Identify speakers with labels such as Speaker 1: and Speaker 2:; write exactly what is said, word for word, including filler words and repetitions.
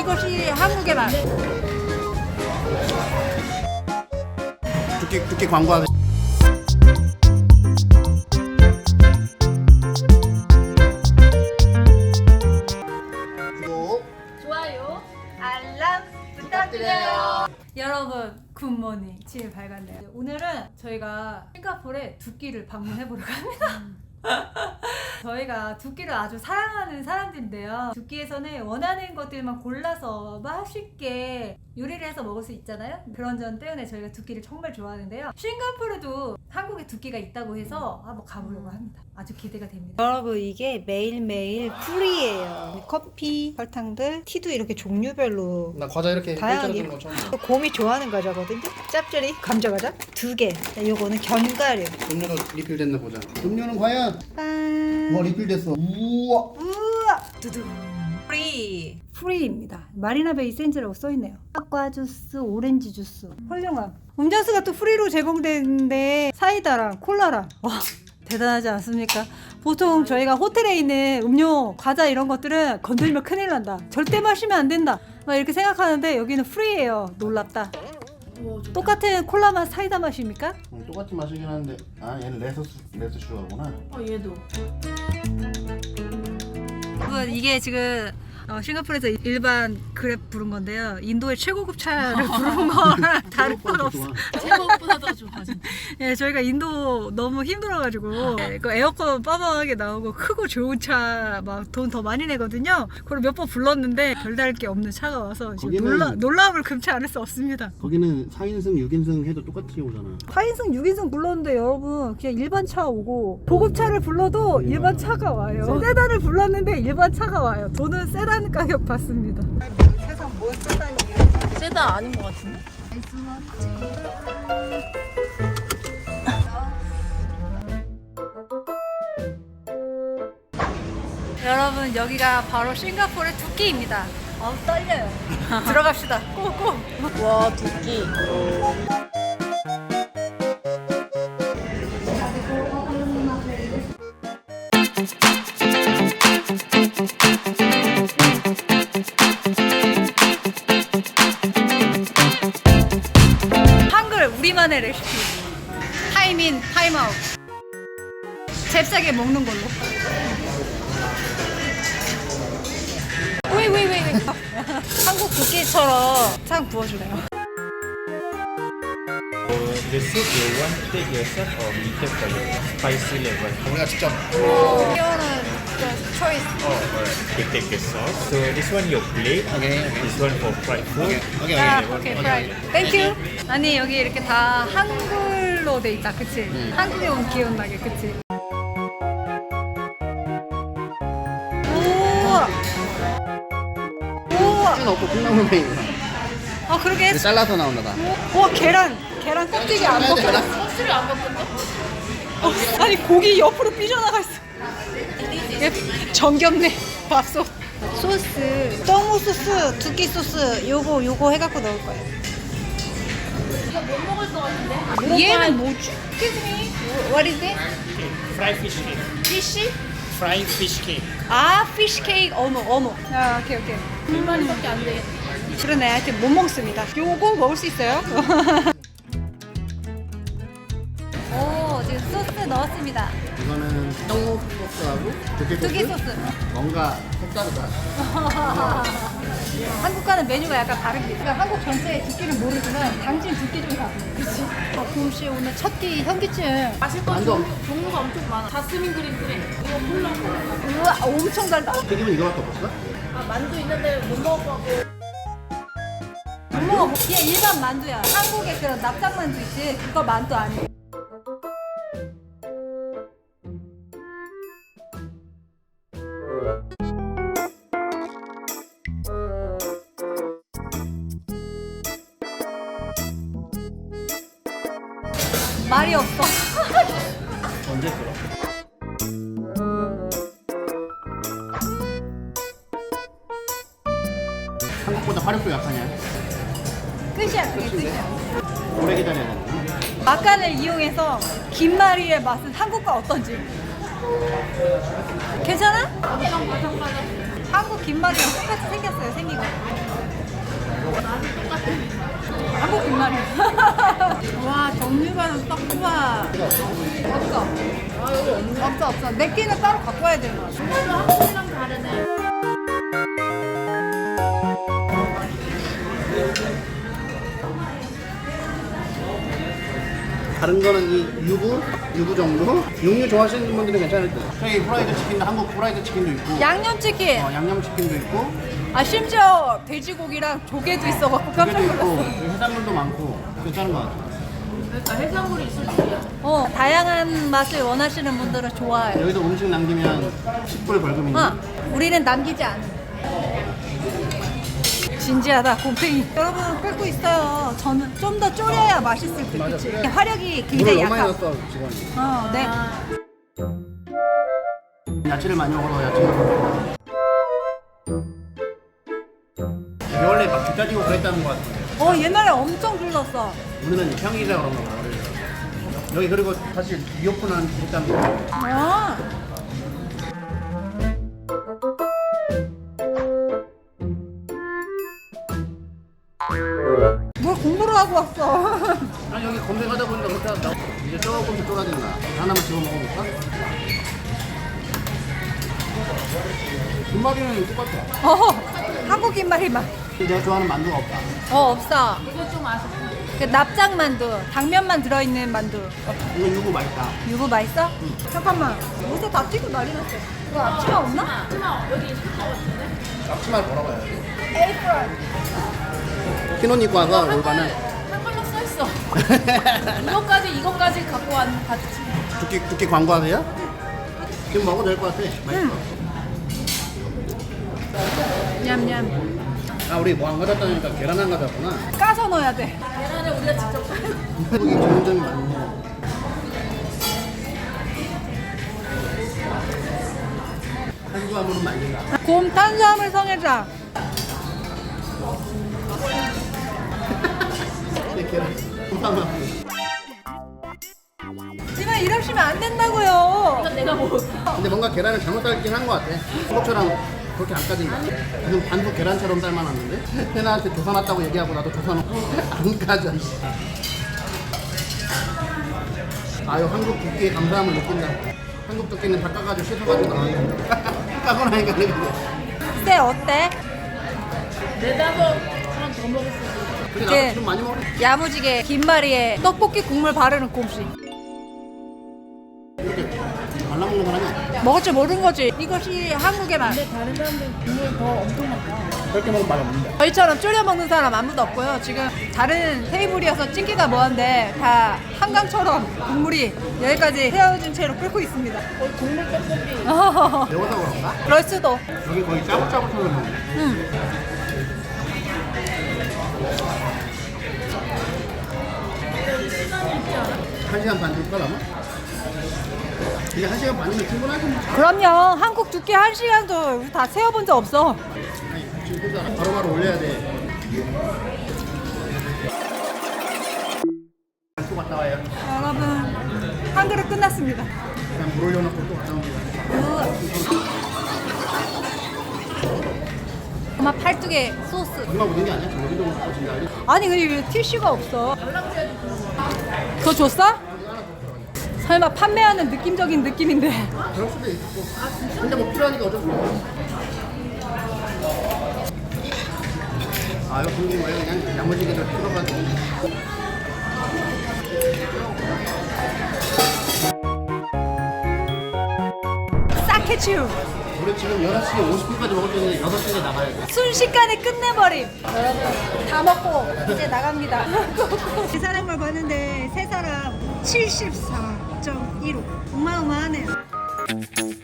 Speaker 1: 이것이 한국의 맛.
Speaker 2: 두끼 두끼 광고하는. 구독.
Speaker 1: 좋아요, 알람 부탁드려요. 여러분 굿모닝. 지금 밝았네요. 오늘은 저희가 싱가포르에 두끼를 방문해보러 갑니다. 저희가 두끼를 아주 사랑하는 사람들인데요. 두끼에서는 원하는 것들만 골라서 맛있게 요리를 해서 먹을 수 있잖아요. 그런 점 때문에 저희가 두끼를 정말 좋아하는데요. 싱가포르도 한국에 두끼가 있다고 해서 한번 가보려고 합니다. 아주 기대가 됩니다. 여러분 이게 매일매일 풀이에요. 커피, 설탕들, 티도 이렇게 종류별로
Speaker 2: 나 과자 이렇게
Speaker 1: 다양하게.
Speaker 2: 거 처음 봐.
Speaker 1: 곰이 좋아하는 과자거든요. 짭짜리 감자 과자 두 개. 요거는 견과류.
Speaker 2: 음료도 리필됐나 보자. 음료는 과연?
Speaker 1: 짠.
Speaker 2: 와 리필됐어. 우와.
Speaker 1: 우와. 두둥. 프리. 프리입니다. 마리나 베이 샌즈라고 써있네요. 사과 주스, 오렌지 주스. 훌륭함. 음료수가 또 프리로 제공되는데 사이다랑 콜라랑. 와 대단하지 않습니까? 보통 저희가 호텔에 있는 음료, 과자 이런 것들은 건들면 큰일 난다. 절대 마시면 안 된다. 막 이렇게 생각하는데 여기는 프리예요. 놀랍다. 똑같은 콜라 맛, 사이다 맛입니까?
Speaker 2: 응, 똑같은 맛이긴 한데 아 얘는 레스 레스 슈가구나.
Speaker 3: 어 얘도.
Speaker 1: 여러분 이게 지금 어, 싱가포르에서 일반 그랩 부른 건데요. 인도의 최고급 차를 부른 거랑 다를 건 없어.
Speaker 3: 제목보다 더 좋아 진짜.
Speaker 1: 예, 저희가 인도 너무 힘들어가지고 예, 그 에어컨 빠방하게 나오고 크고 좋은 차 막 돈 더 많이 내거든요. 그걸 몇 번 불렀는데 별다를 게 없는 차가 와서 지금
Speaker 2: 거기는-
Speaker 1: 놀라, 놀라움을 금치 않을 수 없습니다.
Speaker 2: 거기는 사 인승 육 인승 해도 똑같이 오잖아.
Speaker 1: 사 인승, 육 인승 불렀는데 여러분 그냥 일반 차 오고 보급차를 불러도 일반 차가 와요. 세단을 불렀는데 일반 차가 와요. 저는 세단 가격 받습니다. 세상 뭔 세단이에요?
Speaker 3: 세단 아닌 것 같은데?
Speaker 1: 여러분 여기가 바로 싱가포르의 두끼입니다. 어 떨려요. 들어갑시다. 고고.
Speaker 3: 와 두끼.
Speaker 1: 한글 우리만의 레시피. 타임인 타임아웃. 잽싸게 먹는 걸로. 왜왜왜 왜? 한국 두끼처럼 상 부어주네요.
Speaker 4: The soup you want to take yourself or we take for you? Spicy level.
Speaker 2: 우리가 직접.
Speaker 1: 이거는 초이스.
Speaker 4: Oh, alright. You take the sauce. So this one your plate.
Speaker 2: 오케이 오케이.
Speaker 4: This one for fried food.
Speaker 2: 오케이
Speaker 1: 아,
Speaker 2: 오케이.
Speaker 1: 오케이, 프라이. 땡큐. 아니 여기 이렇게 다 한글로 돼 있다, 그치? 한국에 온 기운 나게, 그치? 우와. 우와.
Speaker 2: 는 없고 콩나물 메인이야.
Speaker 1: 아 그러게.
Speaker 2: 이거 잘라서 나온다 봐.
Speaker 1: 우와 계란. 계란 껍데기 안
Speaker 2: 잘라야 돼,
Speaker 1: 벗겨졌어.
Speaker 2: 계란.
Speaker 3: 껍질이 안 벗겼네?
Speaker 1: 어, 아니 고기 옆으로 삐져나가 있어. 얘 정겹네. 밥솥. 소스. 떡무 소스, 두끼 소스. 요거 요거 해갖고 넣을 거예요.
Speaker 3: 이거 못 먹을 것 같은데?
Speaker 1: 얘는 뭐지? Excuse me. What is it?
Speaker 4: Fried fish cake.
Speaker 1: Fish?
Speaker 4: Fried fish cake.
Speaker 1: 아, 피쉬 케이크 어묵 어묵. 아, 오케이 오케이.
Speaker 3: 불만이밖에 안 되겠네.
Speaker 1: 그러네. 하여튼 못 먹습니다. 요거 먹을 수 있어요? 오, 지금 소스 넣었습니다.
Speaker 2: 이거는 떡국 소스하고 두께 소스.
Speaker 1: 두개 소스.
Speaker 2: 뭔가 색다르다.
Speaker 1: 한국과는 메뉴가 약간 다릅니다. 그러니까 한국 전체의 두끼는 모르지만 당진 두끼 좀 가보세요. 그치? 아, 곰씨 오늘 첫 끼 현기증.
Speaker 3: 마실 거
Speaker 2: 완전.
Speaker 3: 종류, 종류가 엄청 많아. 자스민 그린 그래. 이거 콜라.
Speaker 1: 우와, 엄청 달다.
Speaker 2: 튀김은 이거밖에 없었어?
Speaker 3: 아 만두 있는데 못 먹을 것 같고.
Speaker 1: 못 먹어. 얘 일반 만두야. 한국의 그런 납작 만두 있지? 그거 만두 아니야. 말이 없어.
Speaker 4: 언제 들어?
Speaker 2: 한국보다 화력도 약하냐?
Speaker 1: 끝이야, 그게 끝이야.
Speaker 2: 오래 기다려야 되나?
Speaker 1: 막간을 이용해서 김말이의 맛은 한국과 어떤지. 괜찮아? 한국 김말이랑 똑같이 생겼어요, 생긴 거. 한국 김말이. 와 정류관은 딱 좋아. 없어.
Speaker 3: 아 여기 없네.
Speaker 1: 없어 없어. 내 끼는 따로 갖고 와야 되는 거야.
Speaker 3: 정말로 한국이랑 다르네.
Speaker 2: 다른 거는 이 유부, 유부 정도. 육류 좋아하시는 분들은 괜찮을 듯. 저기 프라이드 치킨도 한국 프라이드 치킨도 있고,
Speaker 1: 양념치킨.
Speaker 2: 어, 양념 치킨도 있고,
Speaker 1: 아 심지어 돼지고기랑 조개도 있어갖고 깜짝
Speaker 2: 조개도 있고,
Speaker 1: 놀랐어.
Speaker 2: 여기 해산물도 많고 괜찮은 것 같아.
Speaker 3: 그러니까 해산물이 있을 줄이야.
Speaker 1: 어 다양한 맛을 원하시는 분들은 좋아요.
Speaker 2: 여기서 음식 남기면 십 불 벌금인데.
Speaker 1: 어, 우리는 남기지 않아. 진지하다 곰팽이. 여러분 끓고 있어요. 저는 좀 더 졸여야 맛있을 듯.
Speaker 2: 맞아,
Speaker 1: 그치?
Speaker 2: 그래.
Speaker 1: 화력이
Speaker 2: 물을
Speaker 1: 굉장히
Speaker 2: 너무 많이
Speaker 1: 약하.
Speaker 2: 넣었어 직원이.
Speaker 1: 어, 네.
Speaker 2: 야채를 많이 먹어서 야채를 먹어. 이게 원래 막 기다리고 그랬다는 것 같은데.
Speaker 1: 어 옛날에 엄청 불렀어.
Speaker 2: 우리는 평일이라 그런 거야. 여기 그리고 사실 리오픈한 했다는 거.
Speaker 1: 아. 뭘 공부를 하고 왔어.
Speaker 2: 아니 여기 검색하다 보니까 그때 나 이제 조금씩 쫄아진다. 하나만 집어 먹어볼까? 김말이는 똑같아.
Speaker 1: 어 한국 입맛이 맛.
Speaker 2: 내가 좋아하는 만두가 없다.
Speaker 1: 어 없어.
Speaker 3: 이거 좀 아쉽다.
Speaker 1: 그 납작 만두, 당면만 들어있는 만두.
Speaker 2: 이거 유부 맛있다.
Speaker 1: 유부 맛있어? 잠깐만. 옷에 다 튀고 난리 났어. 이거 앞치마 없나?
Speaker 3: 하나 여기 있을 것 같은데?
Speaker 2: 앞치마를 뭐라고 해야 돼?
Speaker 1: 에이프런.
Speaker 2: 흰옷 입고 와서 올바는
Speaker 3: 한글로 써 있어. 이거까지 이거까지 갖고 왔는 바지.
Speaker 2: 두끼 두끼 광고하세요? 지금 먹어도 될 것 같아. 맛있어.
Speaker 1: 냠냠.
Speaker 2: 아 우리 뭐 안 가져왔다니까 계란 안 가져왔구나.
Speaker 1: 까서 넣어야 돼.
Speaker 3: 계란을 우리가 직접
Speaker 2: 한국이 점점 많네. 탄수화물은 말린다.
Speaker 1: 곰 탄수화물 성애자.
Speaker 2: 내 계란. 곰탕만.
Speaker 1: 지금 이러시면 안 된다고요.
Speaker 3: 이건 내가 먹을게.
Speaker 2: 근데 뭔가 계란을 잘못 삶긴 한 것 같아. 한국처럼 그렇게 안 까진다. 지금 반숙 계란처럼 삶아놨는데 해나한테 조사 놨다고 얘기하고 나도 조사 놓고 안 까져. 아유 한국 두끼에 감사함을 느낀다. 한국 두끼는 다 까가지고 씻어가지고 나왔는데 까고 나니까 그래.
Speaker 1: 쎄 어때?
Speaker 3: 내다도 하나 더 먹을 수 있어.
Speaker 2: 근데
Speaker 1: 이제-
Speaker 2: 나도 지금 많이 먹어.
Speaker 1: 야무지게 김말이에 떡볶이 국물 바르는 곰씨.
Speaker 2: 이렇게 말라먹는 사람이 아니야.
Speaker 1: 먹을 줄 모르는 거지. 이것이 한국의 맛.
Speaker 3: 근데 다른 사람들 국물 더 엄청 많다.
Speaker 2: 그렇게 먹으면 맛이 없는데.
Speaker 1: 저희처럼 졸여 먹는 사람 아무도 없고요. 지금 다른 테이블이어서 찍기가 뭐한데 다 한강처럼 국물이 여기까지 헤어진 채로 끓고 있습니다.
Speaker 3: 거의 국물 떡볶이.
Speaker 2: 매워서 그런가?
Speaker 1: 그럴 수도.
Speaker 2: 여기 거의 짜글짜글처럼 먹네.
Speaker 1: 응.
Speaker 2: 한 시간 반 줄까 나면? 이제 한 시간 반이면 충분하지 뭐.
Speaker 1: 그럼요. 한국 두께 한 시간도 우리 다 세어본 적 없어.
Speaker 2: 아니 지금 꽂아 바로바로 올려야 돼. 또 갔다 와요.
Speaker 1: 여러분 한 그릇 끝났습니다.
Speaker 2: 그냥 물 올려놓고 또 갔다 옵니다.
Speaker 1: 엄마 팔뚝에 소스.
Speaker 2: 얼마 묻은 게 아니야? 저 여기도 먹고 진짜 알지?
Speaker 1: 아니 근데 왜 티슈가 없어? 그거 줬어? 설마 판매하는 느낌적인 느낌인데.
Speaker 2: 그럴 수도 있고. 근데 뭐 필요하니까 어쩔 수 없어. 아 이거 궁금해. 그냥 야무지게들 풀어가지고.
Speaker 1: 싹해치우.
Speaker 2: 우리 지금 여섯 시 오십 분까지 먹을 수 있는데 여섯 시에 나가야 돼.
Speaker 1: 순식간에 끝내버림. 여러분 다 먹고 이제 나갑니다. 이 사람을 봤는데 세 사람 칠십사 점 일오. 어마어마하네요.